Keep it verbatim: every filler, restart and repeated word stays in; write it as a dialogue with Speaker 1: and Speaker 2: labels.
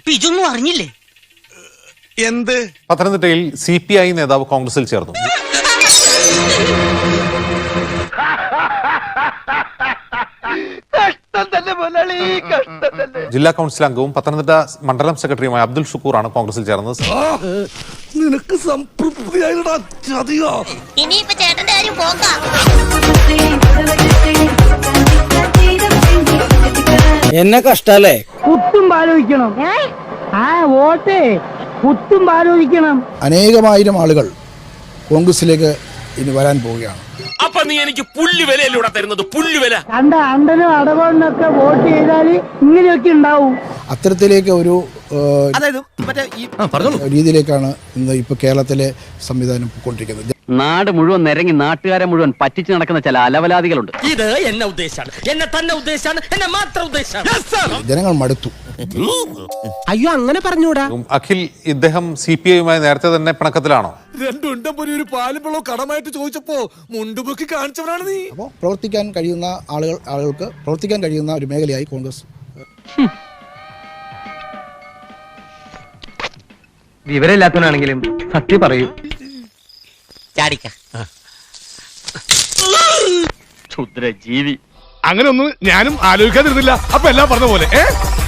Speaker 1: അപ്പൊ ഇതൊന്നും അറിഞ്ഞില്ലേ?
Speaker 2: എന്ത്?
Speaker 3: പത്തനംതിട്ടയിൽ സി പി ഐ നേതാവ് കോൺഗ്രസിൽ ചേർന്നു. ജില്ലാ കൗൺസിൽ അംഗവും പത്തനംതിട്ട മണ്ഡലം സെക്രട്ടറിയുമായ അബ്ദുൽ ഷുക്കൂറാണ് കോൺഗ്രസിൽ ചേർന്നത്.
Speaker 2: നിനക്ക് സംതൃപ്തിയായിട്ടാ ചതിയോ?
Speaker 4: ഇനിയിപ്പോ ചേട്ടന്റെ കാര്യം പോകാം.
Speaker 5: എന്നെ കഷ്ടല്ലേ?
Speaker 6: കുത്തും ആലോചിക്കണം. ആ വോട്ടേ കുത്തും ആലോചിക്കണം.
Speaker 7: അനേകമായിരം ആളുകൾ കോൺഗ്രസിലേക്ക് ഇനി വരാൻ പോവുകയാണ്.
Speaker 2: അപ്പൊ നീ എനിക്ക് പുല്ലുവിലൂടെ തരുന്നത്? പുല്ലുവില
Speaker 6: കണ്ട അണ്ടനും അടവണ്ണൊക്കെ വോട്ട് ചെയ്താൽ ഇങ്ങനെയൊക്കെ ഉണ്ടാവും.
Speaker 7: അത്തരത്തിലേക്ക് ഒരു രീതിയിലേക്കാണ് ഇന്ന് ഇപ്പൊ കേരളത്തിലെ സംവിധാനം പോയിക്കൊണ്ടിരിക്കുന്നത്.
Speaker 5: നാട് മുഴുവൻ നിരങ്ങി നാട്ടുകാരെ മുഴുവൻ പറ്റിച്ചു നടക്കുന്ന ചില അലവലാദികളുണ്ട്.
Speaker 1: ഇത് എന്നെ ഉദ്ദേശാണ്, എന്നെ തന്നെ ഉദ്ദേശാണ്, എന്നെ മാത്രം ഉദ്ദേശാണ്.
Speaker 7: ജനങ്ങൾ മടുത്തു.
Speaker 6: അയ്യോ അങ്ങനെ പറഞ്ഞൂടാ.
Speaker 3: അഖിൽ, ഇദ്ദേഹം സി പി ഐയുമായി നേരത്തെ തന്നെ പിണക്കത്തിലാണോ?
Speaker 2: രണ്ടുണ്ടം പോലെ ഒരു പാലുമ്പളോ കടമായിട്ട് ചോദിച്ചപ്പോ മുണ്ടുപൊക്കി കാണിച്ചവനാണ് നീ.
Speaker 7: അപ്പോൾ പ്രവർത്തിക്കാൻ കഴിയുന്ന ആളുകൾ ആളുകൾക്ക് പ്രവർത്തിക്കാൻ കഴിയുന്ന ഒരു മേഖലയായി കോൺഗ്രസ്.
Speaker 5: വിവരമില്ലാത്തവനാണെങ്കിലും സത്യം പറയൂ. ക്ഷുദ്ര ജീവി.
Speaker 2: അങ്ങനെ ഒന്നും ഞാനും ആലോചിക്കാതിരുന്നില്ല. അപ്പൊ എല്ലാം പറഞ്ഞ പോലെ ഏ